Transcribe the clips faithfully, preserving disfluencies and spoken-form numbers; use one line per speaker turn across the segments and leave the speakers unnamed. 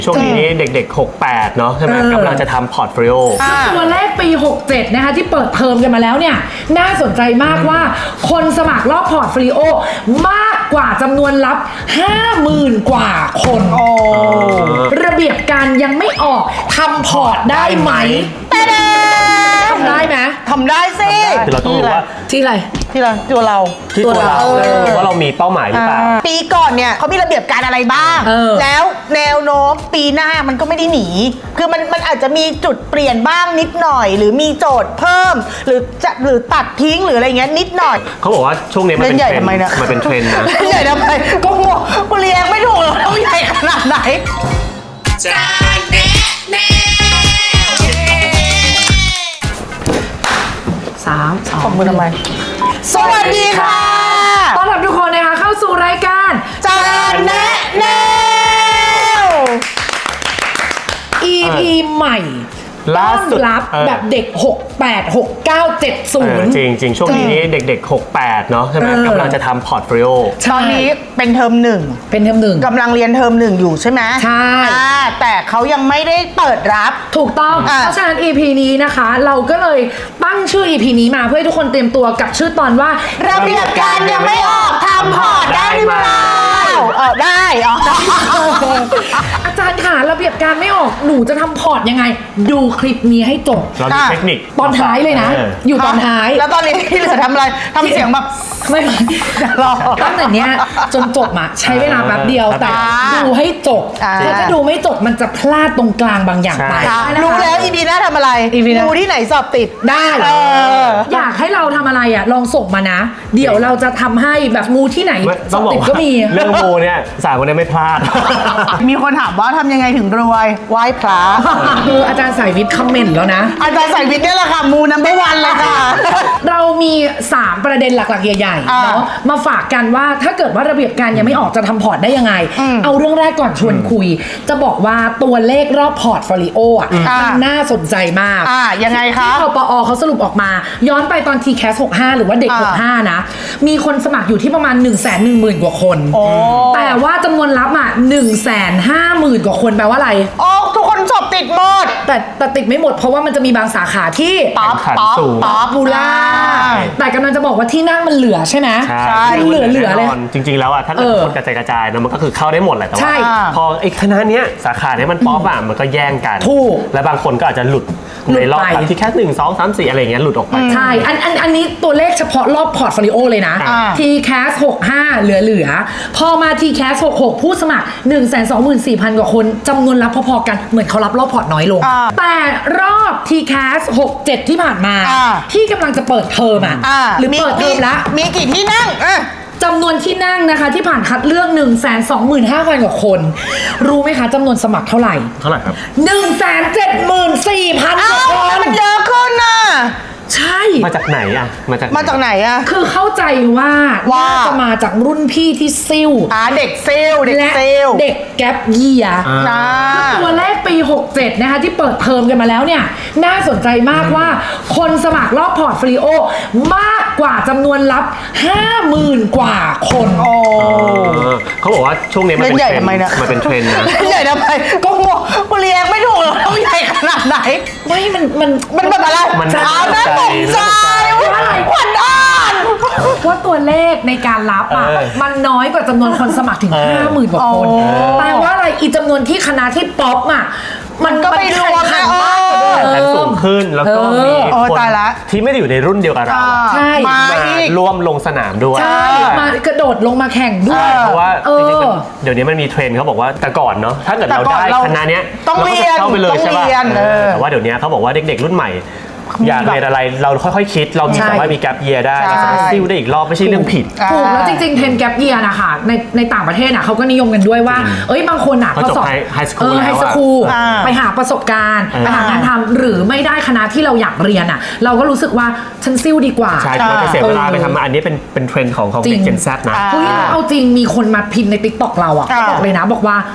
ช่วงนี้เด็กๆหกแปดเนาะใช่ไหมกำลังจะทำพอร์ตโฟลิโอ
ตัวเลขปีหกเจ็ดนะคะที่เปิดเทอมกันมาแล้วเนี่ยน่าสนใจมากว่าคนสมัครรอบพอร์ตโฟลิโอมากกว่าจำนวนรับ ห้าหมื่น กว่าคนระเบียบการยังไม่ออกทำพอร์ตได้ไหมทำได้ไหม
ทำได้สิ
คือเราต้องรู้ว่า
ที่อะไร
ที่เราตัวเรา
ที่ตัวเราว่าเรามีเป้าหมายหรือเปล่า
ปีก่อนเนี่ยเขามีระเบียบการอะไรบ้างแล้วแนวโน้มปีหน้ามันก็ไม่ได้หนีคือมันมันอาจจะมีจุดเปลี่ยนบ้างนิดหน่อยหรือมีโจทย์เพิ่มหรือจะหรือตัดทิ้งหรืออะไรเงี้ยนิดหน่อย
เขาบอกว่าช่วงนี้มันเป็นเทรนด์มันเป็นเทรนด์นะ
ใหญ่ทำไมก็งงกูเรียงไม่ถูกเลยต้องใหญ่ขนาดไหนจานแนะแน่
สามสอง
ขอบคุณทำไมสวัสดีค่ะ
ต้อนรับทุกคนนะคะเข้าสู่รายการ
จานแนะแนว
อี พี ใหม่
ล่าสุด
รับแบบเด็กหกแปด หกเก้า เจ็ดศูนย์
จริงจริงช่วงนี้เด็กๆหกแปดเนาะใช่ไหมกำลังจะทำพอร์ตโฟลิโอ
ตอนนี้เป็นเทอมหนึ่ง
เป็นเทอมหนึ่ง
กำลังเรียนเทอมหนึ่งอยู่ใช่ไหม
ใช่
แต่เขายังไม่ได้เปิดรับ
ถูกต้องเพราะฉะนั้น อี พี นี้นะคะเราก็เลยตั้งชื่อ อี พี นี้มาเพื่อให้ทุกคนเตรียมตัวกับชื่อตอนว่า
ระเบียบการยังไม่ออกทำพอร์ตได้หรือเปล่าเออได้อ๋อ
อาจารย์ค่ะระเบียบการไม่ออกหนูจะทำพอร์ตยังไงดูคลิปนี้ให้จบ
เรามีเทคนิค
ตอนท้ายเลยนะอยู่ตอนท้าย
แล้วตอนนี้ที่เหลือทำอะไรทำเสียงแบบ
ไม่รอตั้งแต่เนี้ยจนจบอะใช้เวลาแป๊บเดียวแต่ดูให้จบเพราะถ้าดูไม่จบมันจะพลาดตรงกลางบางอย่างไป
รู้แล้วอีพีหน้าทำอะไรดูที่ไหนสอบติด
ได้อยากให้เราทำอะไรอะลองส่งมานะเดี๋ยวเราจะทำให้แบบงูที่ไหนสอบติดก็มี
เรื่องงูเนี่ยสายคนนี้ไม่พลาด
มีคนถามว่าทำยังไงถึงรวยไหว้พระ
คืออาจารย์สายวิทย์คอมเมนต์แล้วนะ
อาจารย์สายวิทย์นี่แหละค่ะมูนัมเบอร์วันเลยค่ะ
เรามีสามประเด็นหลักๆใหญ่ๆเนาะมาฝากกันว่าถ้าเกิดว่าระเบียบการยังไม่ออกจะทำพอร์ตได้ยังไงเอาเรื่องแรกก่อนชวนคุยจะบอกว่าตัวเลขรอบพอร์ตโฟลิโออ่ะมันน่าสนใจมาก
อ่ายังไงคะ
ที่ปอเขาสรุปออกมาย้อนไปตอน ที แคส หกห้า หรือว่าเด็กหกห้านะมีคนสมัครอยู่ที่ประมาณ หนึ่งแสนหนึ่งหมื่น กว่าคนแต่ว่าจำนวนรับอ่ะ หนึ่งแสนห้าหมื่น กว่าคนแปลว่าอะไร
อ๋อทุกคนสอบติดหมด
แต่แต่ติดไม่หมดเพราะว่ามันจะมีบางสาขาที่
ป๊อปป๊อป
ป๊อปบูล่าแต่กำลังจะบอกว่าที่นั่งมันเหลือใช่ไหม
ใช่
เหลือเหลือเลย
จริงๆแล้วอ่ะถ้าเกิดคนกระจายกระจายนะมันก็คือเข้าได้หมดแหละแต่ว่าพอไอ้คณะเนี้ยสาขาเนี้ยมันป๊อปอ่ะมันก็แย่งกัน
ถูก
และบางคนก็อาจจะหลุดในรอบที่แค่หนึ่งสองสามสี่อะไรเงี้ยหลุดออกไป
ใช่อันอันอันนี้ตัวเลขเฉพาะรอบพอร์ตโฟลิโอเลยนะ ที แคส หกห้า เหลือเหลือพอมา ที แคส หกหก ผู้สมัคร หนึ่งแสนสองหมื่นสี่พัน กว่าคนจำนวนรับพอๆกันเหมือนเขารับรอบพอร์ตน้อยลงแต่รอบ ที แคส หกเจ็ด ที่ผ่านมาที่กำลังจะเปิดเทอมอ่ะหรือเปิดเทอมแล้ว
มีกี่ที่นั่ง
จำนวนที่นั่งนะคะที่ผ่านคัดเลือก หนึ่งแสนสองหมื่นห้าพัน กว่าคนรู้ไหมคะจำนวนสมัครเท่าไหร่
เท่าไหร่ครับ
หนึ่งแสนเจ็ดหมื่นสี่พัน กว่าคน
มันเยอะขึ้นน่ะ
ใช่
มาจากไหนอ่ะ
มาจากมาจากไหนอ่ะ
คือเข้าใจว่าว่าจะมาจากรุ่นพี่ที่ซิ่ว
อ่าเด็กซิ่วเด็กซิ่ว
เด็กแก๊ปเยียร์ตัวเลขปีหกเจ็ดนะคะที่เปิดเทอมกันมาแล้วเนี่ยน่าสนใจมากว่าคนสมัครรอบพอร์ตโฟลิโอมากกว่าจำนวนรับ ห้าหมื่น กว่าคน
โอ้
เขาบอกว่าช่วงนี้มันเป็นเทรนด์มันเป็นเทรนด์นะ
ใหญ่ทำไมก็งงกูเรียงไม่ถูกเลยต้องใหญ่ขนาดไหน
ไม่มันมัน
มันแบบอะไร
มัน
เอาหน้าตกใจว่าอะไรขวัญอ่าน
ว่าตัวเลขในการรับอ่ะมันน้อยกว่าจำนวนคนสมัครถึง ห้าหมื่น กว่าคนแปลว่าอะไรอีจำนวนที่คณะที่ป๊อปอ่ะ
มันก็ไม่รวมนะ
แข่งสูงขึ้นแล้วก็มีคนที่ไม่ได้อยู่ในรุ่นเดียวกับเรา
มา
ร่วมลงสนามด้วย
ใช่มากระโดดลงมาแข่งด้วย
เพราะว่าจริงๆเดี๋ยวนี้มันมีเทรนด์เขาบอกว่าแต่ก่อนเนาะถ้าเกิดเราได้คณะเนี้ย
ต้องเรียน
เข้าไปเลยใช่ป่ะแต่ว่าเดี๋ยวนี้เขาบอกว่าเด็กๆรุ่นใหม่อยากเรียนอะไรเราค่อยๆคิดเราสามารถมีแกปเยียร์ได้เราสามารถซิ่วได้อีกรอบไม่ใช่เรื่องผิด
ถูกแล้วจริงๆเทรนแกปเยียร์นะคะในในต่างประเทศน่ะเขาก็นิยมกันด้วยว่าเอ้ยบางคนอ่ะ
พอจบไฮสคูล
ไฮสคูลไปหาประสบการณ์ไปหางานทำหรือไม่ได้คณะที่เราอยากเรียนอ่ะเราก็รู้สึกว่าฉันซิ่วดีกว่า
ใช่เราจะเสียเวลาไปทำอันนี้เป็นเป็นเทรนด์ของของเด็กเจนแซดนะ
เฮ้ยเอาจริงมีคนมาพิมพ์ในติ๊กต็อกเราอ่ะบอกเลยนะบอกว่า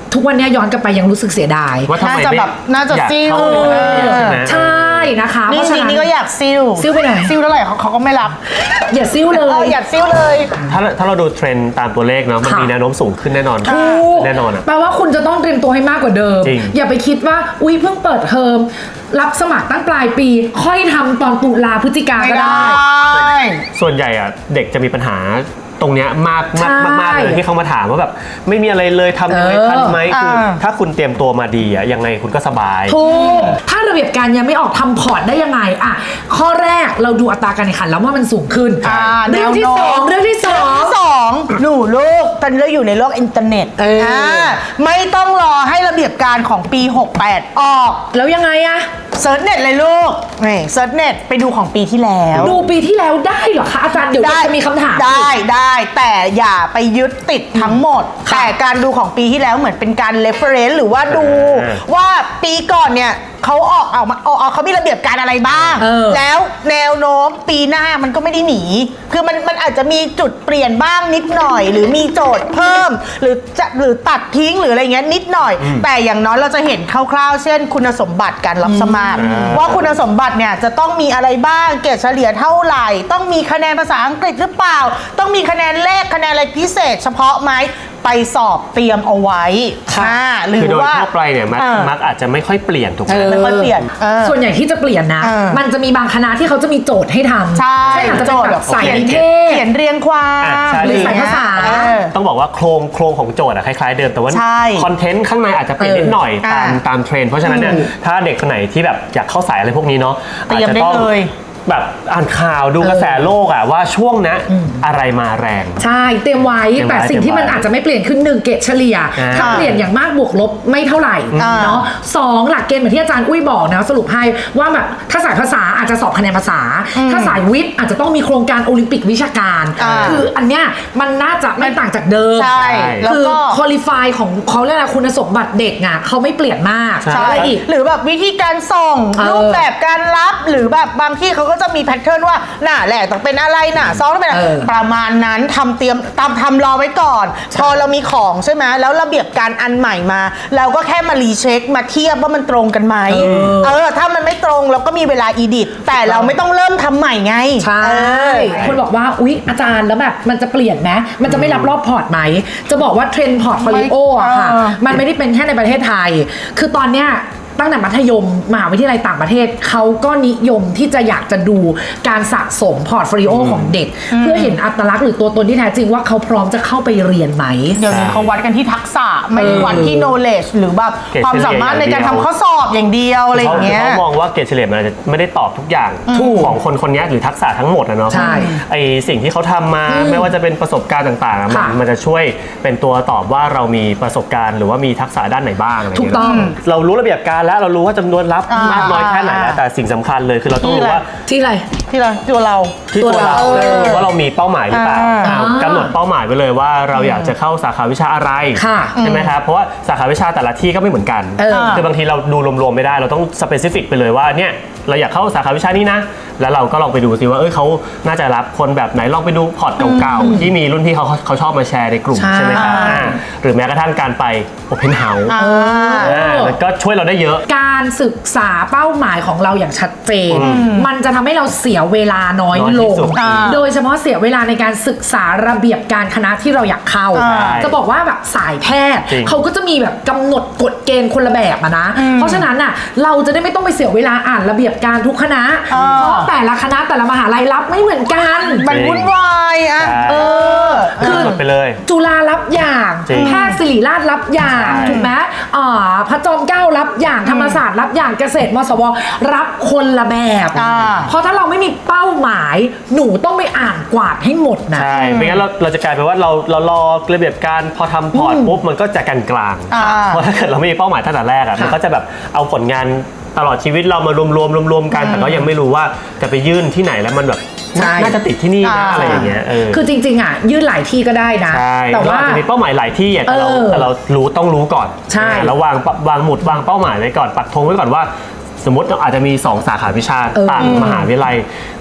ทุกวันเนี้ยย้อนกลับไปยังรู้สึกเสียดาย
ว่าทำไม
น่าจะ
ไม่
แบบน่าจะ
อยาก
ซิ่ว
เข้าไปเรียนใช่ไหม
ใช่นะคะ
นี่
เพราะ
จ
ฉะ
ริง
นั้น
ๆนี่ก็อยากซิ่ว
ซิ่วไปไหน
ซิ่วเท่าไหร่เขาเขาก็ไม่รับ
อย่าซิ่วเล
เออย อยากซิ่วเลย
ถ้าถ้าเราดูเทรนด์ตามตัวเลขเนาะมัน
ค่ะ
มีแนวโน้มสูงขึ้นแน่นอน
ถูก
แน่นอนอ่ะ
แปลว่าคุณจะต้องเตรียมตัวให้มากกว่าเดิม
จริง
อย่าไปคิดว่าอุ้ยเพิ่งเปิดเทอมรับสมัครตั้งปลายปี ค่อยทำตอนตุลาพฤศจิกา
ไม่
ก็
ได้
ได้
ส่วนใหญ่อ่ะเด็กจะมีปัญหาตรงเนี้ยมากมาก
ใช่
มากๆเลยที่เขามาถามว่าแบบไม่มีอะไรเลยทำยังไง
เออ
ทันไหมคือ
อ่า
ถ้าคุณเตรียมตัวมาดีอ่ะยังไงคุณก็สบาย
ถูกถ้าระเบียบการยังไม่ออกทำพอร์ตได้ยังไงอ่ะข้อแรกเราดูอัตราการแข่งขันแล้วว่ามันสูงขึ้น
อ่า
เรื่องที่
แนวโน้ม
สองเรื่องที่สอง
สองหนูลูกตอนนี้เราอยู่ในโลกอินเทอร์เน็ต
เอออ่
าไม่ต้องรอให้ระเบียบการของปี หกแปด ออก
แล้วยังไงอะ
เซิร์ชเน็ตเลยลูกนี่เซิร์ชเน็ตไปดูของปีที่แล้ว
ดูปีที่แล้วได้เหรอคะอาจารย์เดี๋ยวจะมีคำถาม
ได้ได้แต่อย่าไปยึดติดทั้งหมด
ค่ะ
แต่การดูของปีที่แล้วเหมือนเป็นการ reference หรือว่าดู
อ่า
ว่าปีก่อนเนี่ยเขาออกเอามาเอาเอาเขามีระเบียบการอะไรบ้าง
เออ
แล้วแนวโน้มปีหน้ามันก็ไม่ได้หนี คือมันมันอาจจะมีจุดเปลี่ยนบ้างนิดหน่อย หรือมีโจทย์เพิ่ม หรือจะหรือตัดทิ้งหรืออะไรเงี้ยนิดหน่อย แต่อย่างน้อยเราจะเห็นคร่าวๆเช่นคุณสมบัติการรับสมัคร
อืม
ว่าคุณสมบัติเนี่ยจะต้องมีอะไรบ้างเกรดเฉลี่ยเท่าไหร่ ต้องมีคะแนนภาษาอังกฤษหรือเปล่า ต้องมีคะแนนเลขคะแนนอะไรพิเศษ เฉพาะไหมไปสอบเตรียมเอาไว้ค่ะหรื
คือ
อ
โดย
ว่า
ทั่วไปเนี่ยมัก
เออ
มักอาจจะไม่ค่อยเปลี่ยนถูกไหม
เออ
ไม่ค่อยเปลี่ยนเออ
ส่วนใหญ่ที่จะเปลี่ยนนะ
เออ
มันจะมีบางคณะที่เขาจะมีโจทย์ให้ทำ
ใช่
เช่นอาจจะเป็นแบบสายนิเทศ
เขียนเรียงความ
อ่ะใช่
หรือสายภาษา
เออ
ต้องบอกว่าโครงโครงของโจทย์อะคล้ายๆเดิมแต่ว่า
ใช่
คอนเทนต์ข้างในอาจจะเปลี่ยนนิดหน่อย
เออ
ตาม
อ่า
ตามเทรนด์เพราะฉะนั้นเนี่ยถ้าเด็กคนไหนที่แบบอยากเข้าสายอะไรพวกนี้เนาะ
เตรียม
อาจจะ
ได้
ต้อง
เลย
แบบอ่านข่าวดูกระแสโลกอะว่าช่วงนะอะไรมาแรง
ใช่เตรียมไว้
เตรียมไว้
แต่สิ่งที่มันอาจจะไม่เปลี่ยนคือหนึ่งเกรดเฉลี่ย
อ่า
ถ้าเปลี่ยนอย่างมากบวกลบไม่เท่าไหร่
อ่า
เนาะสองหลักเกณฑ์เหมือนที่อาจารย์อุ้ยบอกนะสรุปให้ว่าแบบถ้าสายภาษาอาจจะสอบคะแนนภาษา ถ้าสายวิทย์อาจจะต้องมีโครงการโอลิมปิกวิชาการ
อ่า
คืออันเนี้ยมันน่าจะไม่ต่างจากเดิม
ใช่แล้ว
คือ
ก็
คุริฟายของเขาเรียกอะไรคุณสมบัติเด็กอ่ะเขาไม่เปลี่ยนมาก
ใช่
อะไรอีก
หรือแบบวิธีการส่ง
เออ
รูปแบบการรับหรือแบบบางที่เขาก็จะมีแพทเทิร์นว่าหน้าแรกต้องเป็นอะไรหน้าซองต้องเป็นอะไร
เออ
ประมาณนั้นทำเตรียมตามทำรอไว้ก่อน พอเรามีของใช่ไหมแล้วระเบียบการอันใหม่มา เราก็แค่มารีเช็คมาเทียบว่ามันตรงกันไหม
เออ
เออถ้ามันไม่ตรงเราก็มีเวลาอีดิทแต่เราไม่ต้องเริ่มทำใหม่ไง
ใช่
เออ
คนบอกว่าอุ๊ยอาจารย์แล้วแบบมันจะเปลี่ยนไหมมันจะไม่รับรอบพอร์ตไหม จะบอกว่าเทรนด์พอร์ตโฟลิโออะค่ะ
เออ
มันไม่ได้เป็นแค่ในประเทศไทย คือตอนเนี้ยตั้งแต่มัธยมมหาวิทยาลัยต่างประเทศเขาก็นิยมที่จะอยากจะดูการสะสมพอร์ตโฟลิโอของเด็ก เพื่อเห็นอัตลักษณ์หรือตัวตนที่แท้จริงว่าเขาพร้อมจะเข้าไปเรียนไหม
เดี๋ยวนี้เขาวัดกันที่ทักษะไม่ได้วัดที่ knowledge หรือแบบ
เกรด
ความสามารถในการทำข้อสอบอย่างเดียวอะไรอย่างเงี้ย
เขามองว่าเกรดเฉลี่ยมันอาจจะไม่ได้ตอบทุกอย่าง
ถูก
ของคนคนนี้หรือทักษะทั้งหมดนะเนาะ
ใช่
ไอสิ่งที่เขาทำมาไม่ว่าจะเป็นประสบการณ์ต่างๆอะมัน
ค่ะ
มันจะช่วยเป็นตัวตอบว่าเรามีประสบการณ์หรือว่ามีทักษะด้านไหนบ้างอะไรอย่าง
ถูก
เงี้ย
ต้อง
เรารู้ระเบียบการแล้วเรารู้ว่าจำนวนรับ
อ่าม
มากน้อยแค่ไหนแล้วแต่สิ่งสำคัญเลยคือเราต้องรู้ว่า
ที่อะไร
ที่เราตัวเรา
ที่ตัวเรา
ตัวเรา
เรารู้ว่าเรามีเป้าหมายหรือเปล่า
อ่า
อ่ากำหนดเป้าหมายไว้เลยว่าเราอยากจะเข้าสาขาวิชาอะไร
ค่ะ
ใช่ไหมครับเพราะว่าสาขาวิชาแต่ละที่ก็ไม่เหมือนกัน
เออ
คือบางทีเราดูรวมๆไม่ได้เราต้องสเปซิฟิกไปเลยว่าเนี่ยเราอยากเข้าสาขาวิชานี้นะ แล้วเราก็ลองไปดูซิว่าเอ้ยเขาน่าจะรับคนแบบไหนลองไปดูพอร์ตเก่าๆที่มีรุ่นพี่เขาเขาชอบมาแชร์ในกลุ่ม
ใช่
ใช่ไหมครับอ่าหรือแม้กระทั่งการไป Open House
อ่า
อ่ามันก็ช่วยเราได้เยอะ
การศึกษาเป้าหมายของเราอย่างชัดเจน มันจะทำให้เราเสียเวลาน้อย
น้อยที่
ลง
สุด
อ่า
โดยเฉพาะเสียเวลาในการศึกษาระเบียบการคณะที่เราอยากเข้า
ใช่
จะบอกว่าแบบสายแพทย์
จริง
เขาก็จะมีแบบกำหนดกฎเกณฑ์คนละแบบอะนะ เพราะฉะนั้นอ่ะเราจะได้ไม่ต้องไปเสียเวลาอ่านระเบียบการทุกคณะ
อ่า
เพราะแต่ละคณะแต่ละมหาลัยรับไม่เหมือนกัน
มันวุ่นวายอ่ะ
ใช่
เออ
คื
คือ อ
หมดไปเลย
จุฬารับอย่าง
จริง
แพทย์ศิริราชรับอย่าง
ใช่
ถูกไหมอ่าพระจอมเกล้ารับอย่างธรรมศาสตร์รับอย่างเกษตรมศวรับคนละแบบ
อ่า
เพราะถ้าเราไม่มีเป้าหมาย หนูต้องไปอ่านกวาดให้หมดนะ
ใช่ไม่งั้นเราเราจะกลายเป็นว่าเราเรารอระเบียบการพอทำพอร์ตปุ๊บมันก็จะกลางกลางๆ
อ่า
เพราะถ้าเกิดเราไม่มีเป้าหมายตั้งแต่แรกอ่ะ
ค่ะ
มันก็จะแบบเอาผลงานตลอดชีวิตเรามารวมรวมรวมรวมๆกัน แต่ก็ยังไม่รู้ว่าจะไปยื่นที่ไหนแล้วมันแบบ
ใช่
น่าจะติดที่นี่นะ
อ่า
อะไรอย่างเงี้ยเออ
คือจริงๆอ่ะยื่นหลายที่ก็ได้นะ
ใช่
แต่
เรา
ว่า
อาจจะมีเป้าหมายหลายที่อ่ะแต่เรา
เออ
แต่เรารู้ต้องรู้ก่อน
ใช่
แล้ววางวางหมุดวางเป้าหมายไว้ก่อนปักธงไว้ก่อนว่า สมมติเราอาจจะมีสองสาขาวิชา
เออ
ต่างมหาวิทยาลัย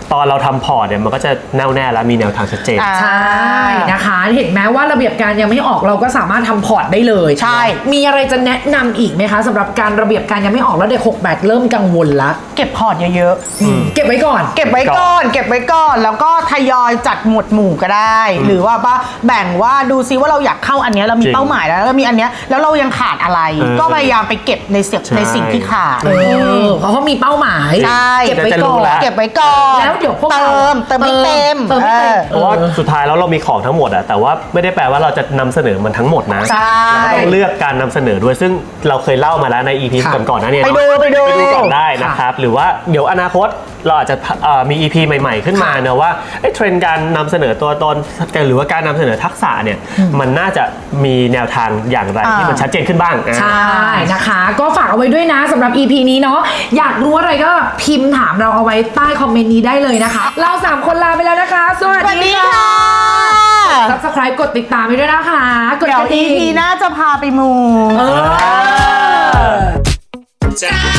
ตอนเราทำพอร์ตเนี่ยมันก็จะแน่วแน่และมีแนวทางชัดเจน
อ่า
ใช่นะคะเห็นไหมว่าระเบียบการยังไม่ออกเราก็สามารถทำพอร์ตได้เลย
ใช่
มีอะไรจะแนะนำอีกไหมคะสำหรับการระเบียบการยังไม่ออกแล้วเด็กหกแปดเริ่มกังวลละ
เก็บพอร์ตเยอะๆ
เก็บไว้ก่อน
เก็บไว้ก่อน เก็บไว้ก่อน แล้วก็ทยอยจัดหมวดหมู่ก็ได้ หรือว่าว่าแบ่งว่าดูซิว่าเราอยากเข้าอันเนี้ยเรามี
จริง
เป้าหมายแล้วแล้วมีอันเนี้ยแล้วเรายังขาดอะไร
เออ
ก็พยายามไปเก็บในเสีย
ใช่
ในสิ่งที่ขาด
เออเพราะเขามีเป้าหมาย
ใช่
เก็บไว้
จะรู้
ก่อน
แล้ว
เก็บไว้ก่อน
แล้วเดี๋ยวพวก
เติ
เรา
มเติมไม่เต็ม
เติมไม่เต็ม
ออ
เพราะว่าสุดท้ายแล้วเรามีของทั้งหมดอะแต่ว่าไม่ได้แปลว่าเราจะนำเสนอมันทั้งหมดนะ
ใช่
เราต้องเลือกการนำเสนอด้วยซึ่งเราเคยเล่ามาแล้วใน อี พี
ค่ะ
ก่อนๆนะเนี่ย
ไปดูไปดู
ไปดูก่อนได้นะครับหรือว่าเดี๋ยวอนาคตเราอาจจะเอ่อมี อี พี ใหม่ ๆ ขึ้นมา
ค่ะ
เนอะว่าเอ้ยเทรนด์การนำเสนอตัวตนหรือว่าการนำเสนอทักษะเนี่ยมันน่าจะมีแนวทางอย่างไร
อ่า
ที่มันชัดเจนขึ้นบ้างอ่ะ
ใช่นะคะ ก็ฝากเอาไว้ด้วยนะสำหรับ อี พี นี้เนาะอยากรู้อะไรก็พิมพ์ถามเราเอาไว้ใต้คอมเมนต์นี้ได้เลยนะคะ เราสามคนลาไปแล้วนะคะ สวัส
สวัส
ดี
ดี
ค่ะ
ค่ะ
Subscribe กดติดตามไปด้วยนะคะ กด
เดี๋ยว
กระดิ่
อี
ง
พีหน้าจะพาไปมู
เออ
จะ